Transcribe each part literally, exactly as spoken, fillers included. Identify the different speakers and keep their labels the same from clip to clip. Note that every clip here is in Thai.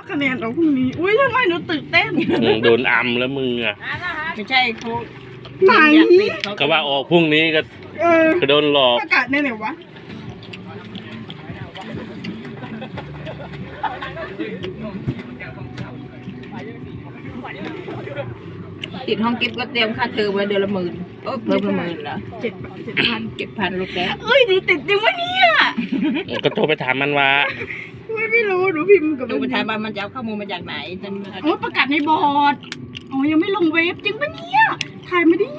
Speaker 1: คะแนนเราพรุ่งนี้อุ้ยทำไมหนูตื่นเต้น
Speaker 2: โดนอัมแล้วมึงอ่ะ
Speaker 3: ไม่ใช่เขา
Speaker 1: ไหน
Speaker 2: ก็ว่าออกพรุ่งนี้ก็ก็โดนหลอก
Speaker 1: ประกาศในไหนวะ
Speaker 3: ติดห้องกิฟต์ก็เตรียมค่าเทอมไว้เดือนละหมื่นเออเพิ่มละหมื่นเหรอ
Speaker 1: เจ็ดเจ็ดพัน
Speaker 3: เจ็ดพันลูกแก้ว
Speaker 1: เอ้ยหนูติดจริงวะเนี่ย
Speaker 2: ก็โทรไปถามมันว่า
Speaker 1: ไม่ไม่รู้หนูพิมพ์กับ
Speaker 3: ดูไปถามว่ามันจะเอาข้อมูลมาจากไหนจน
Speaker 1: อ๋อประกาศในบอร์ดอ๋อยังไม่ลงเว็บจริงปะเนี่ยถ่ายไม่ได้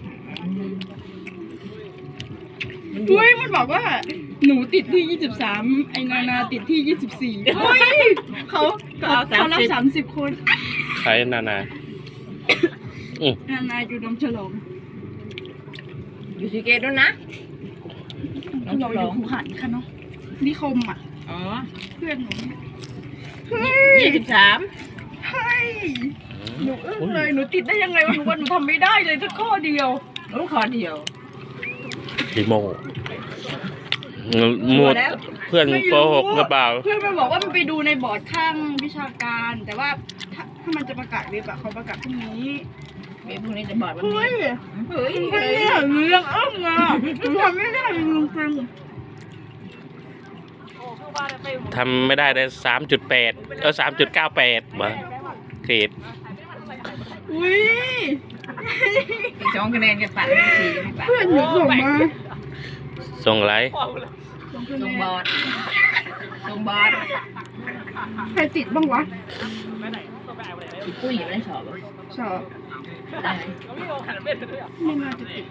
Speaker 1: เฮ้ยมันบอกว่าหนูติดที่ยี่สิบสามไอ้นานาติดที่ยี่สิบสี่เฮ้ยเขาเขาเขารับสามสิบคน
Speaker 2: ใครนานา
Speaker 1: นานาอยู่น้ำฉลอง
Speaker 3: อยู่สีเกตด้วยนะ
Speaker 1: น้องฉลองหูหันค่ะเนาะนิคมอ่ะ
Speaker 3: อ๋อ
Speaker 1: เพื่อนหนู
Speaker 3: ยี่สิบสาม
Speaker 1: เฮ้ยหนูอึ้งเลยหนูติดได้ยังไงวะหนูว่าหนูทำไม่ได้เลยสักข้อเดียว
Speaker 3: รู้ข้อเดียว
Speaker 2: ดิโมหมดเพื่อนโกหกหรือเปล่า
Speaker 1: เพื่อนมันบอกว่ามันไปดูในบอร์ดข้างวิชาการแต่ว่าถ้าถ้ามันจะประกาศเว็บอะเขาประกาศพรุ่งนี้
Speaker 3: เว็บพรุ่งนี้จะบอร์ดวัน
Speaker 1: นี้
Speaker 3: เฮ้ย
Speaker 1: เฮ้ยเรื่องอึ้งอะหนูทำไม่ได้จริง
Speaker 2: ทำไม่ได้ได้สามจุดแปดเออสามจุดเก้าแปดมาเกรด
Speaker 1: อุ้ย
Speaker 3: สองคะแนนกันปัดสี่
Speaker 1: เพื่อนหนูส่งมา
Speaker 2: ส่งอะไร
Speaker 3: ส่งบอร์ดส่งบอร์ด
Speaker 1: ใครติดบ้างวะ
Speaker 3: ติดปุ้ยอยู่ในสอบ
Speaker 1: สอบ
Speaker 3: ได้
Speaker 1: ไม่น่าจะติด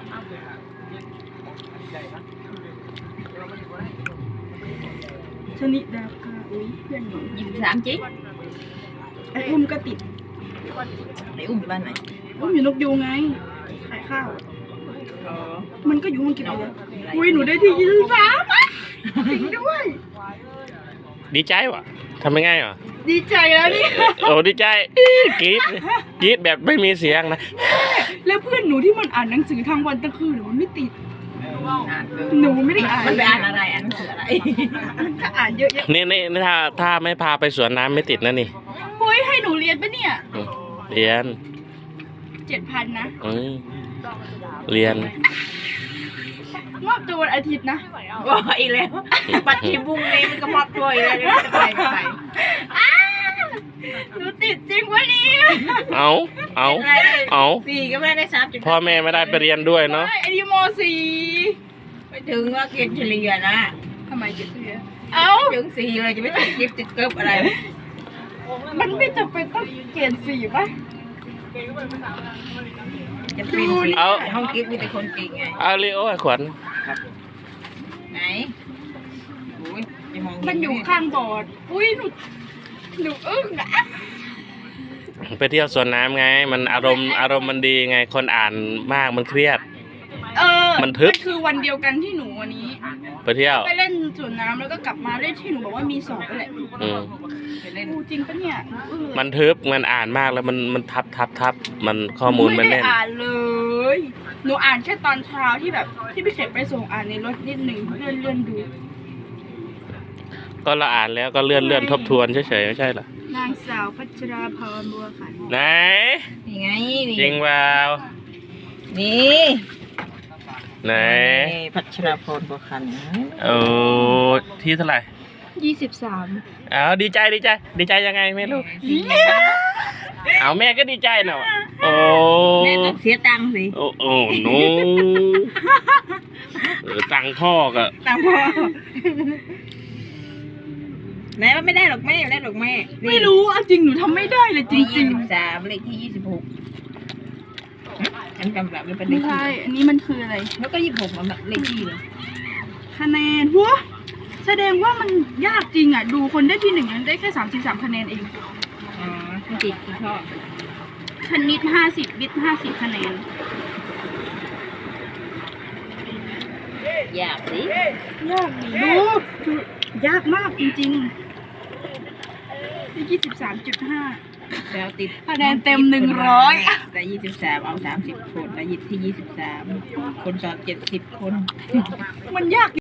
Speaker 1: ชนิดดาคาอุ้ยเพื่อนหนู
Speaker 3: ยี่สิบสามจิ๊ก
Speaker 1: ไอ้อุ้มก็ติด
Speaker 3: ไอ้อุ้มอยู่บ้านไหน
Speaker 1: อุ้มอยู่นกยูงไงขายข้าวมันก็อยู่ห้องกินเลยอุ้ยหนูได้ที่ยี่สิบสามจริงด้วย
Speaker 2: ดีใจวะทำไม่ง่ายเหรอ
Speaker 1: ดีใจแล้วนี่
Speaker 2: โอ้ดีใจกรี๊ดกรี๊ดแบบไม่มีเสียงนะ
Speaker 1: แล้วเพื่อนหนูที่มันอ่านหนังสือทางวันตะคืนหนูไม่ติดหนูไม่ได้อ่าน
Speaker 3: มันไปอ่านอะไรอ่านหนังสืออะไร
Speaker 1: ถ้าอ่านเยอะ
Speaker 2: ๆนี่นี่ถ้าถ้าไม่พาไปสวนน้ำไม่ติดนะนี่
Speaker 1: เฮ้ยให้หนูเรียนปะเนี่ย
Speaker 2: เรียน
Speaker 1: เจ็ดพันนะ
Speaker 2: เรียน
Speaker 1: มอบตัววันอาทิตย์นะ
Speaker 3: ว่าอีกแล้วปัดทีบุ้งเลยมันก็มอบตัวอีกแล้วจะไปไป
Speaker 1: หนูติดจริงวะเนี่ย
Speaker 2: เอาเอาเอา
Speaker 3: สี่ก็ไม่ได้สามจุด
Speaker 2: พ่อแม่ไม่ได้ไปเรียนด้วยเนาะ
Speaker 1: ไอ้ดิโมสี่
Speaker 3: ไปถึงว่าเกณฑ์เฉลี่ยนะ
Speaker 1: ทำไมเกณฑ์เฉลี่ยเอ้า
Speaker 3: ถึงสี่เลยจะไม่ติดกิฟต์ติดเกิบอะไร
Speaker 1: มันไม่จำเป็นต้องเกณฑ์สี่ป่ะ
Speaker 3: จะเป็นสี่ห้องกิฟต์มีแต่คนเก่งไง
Speaker 2: เอาเลยโอ้ยขวัญ
Speaker 3: ไหน
Speaker 1: มันอยู่ข้างบอร์ดอุ้ยหนูหนูอึ้งอะ
Speaker 2: ไปเที่ยวสวนน้ำไงมันอารมณ์อารมณ์มันดีไงคนอ่านมากมันเครียด
Speaker 1: เออ
Speaker 2: มันทึบ
Speaker 1: คือวันเดียวกันที่หนูวันนี้
Speaker 2: ไปเที่ยว
Speaker 1: ไปเล่นสวนน้ำแล้วก็กลับมาเล่นที่หนูบอกว่ามีสอบแหละ
Speaker 2: อืม
Speaker 1: จริงปะเนี่ย
Speaker 2: มันทึบมันอ่านมากแล้วมันมันทับทับทับมันข้อมูลมันแน่น
Speaker 1: ไม่ได้อ่านเลยหนูอ่านแค่ตอนเช้าที่แบบที่พี่เสกไปส่งอ่านในรถนิดหนึ่งเลื่อนเลื่อนดู
Speaker 2: ก็เราอ่านแล้วก็เลื่อนเลื่อนทบทวนเฉยๆไม่ใช่เหร
Speaker 1: อนางสาวพัชราพรบัวขัน
Speaker 2: ไหน
Speaker 3: นี่ไง
Speaker 2: จริงเปล่า
Speaker 3: นี่
Speaker 2: ไหน
Speaker 3: พัชราพรบัวขัน
Speaker 2: โอ้ที่เท่าไหร่
Speaker 1: ยี่สิบสาม
Speaker 2: อ้าวดีใจดีใจดีใจยังไงไม่รู้เอาแม่ก็ดีใจเนาะโอ้
Speaker 3: แม่ต้องเสียตังค์สิ
Speaker 2: โอ้โอ้หนูตังพ่อก็
Speaker 3: ตังพ่อแม่ว่าไม่ได้หรอกแม่ไม่ได้หรอกแม่
Speaker 1: ไม่รู้อ่ะจริงหนูทำไม่ได้เลยจริงจริง
Speaker 3: สามเลขที่ยี่สิบหกฉันจำแบบไม่เป็นเลข
Speaker 1: ที่อันนี้มันคืออะไร
Speaker 3: แล้วก็ยี่สิบหกมันแบบเลขที่เลย
Speaker 1: คะแนนหัวแสดงว่ามันยากจริงอ่ะดูคนได้ที่หนึ่งนั้นได้แค่สามสิบสามคะแนนเอง
Speaker 3: อ๋อคุณจิตคุณชอบ
Speaker 1: คณิตห้าสิบวิทย์ห้าสิบคะแนน
Speaker 3: ยากสิ
Speaker 1: ยากดูยากมากจริงๆได้ยี่สิบสามจุดห้า
Speaker 3: แล้วติด
Speaker 1: คะแนนเต็มหนึ่งร้อย
Speaker 3: แต่ยี่สิบสามเอาสามสิบคนแต่ยิบที่ยี่สิบสามคนสอบเจ็ดสิบคน
Speaker 1: มันยาก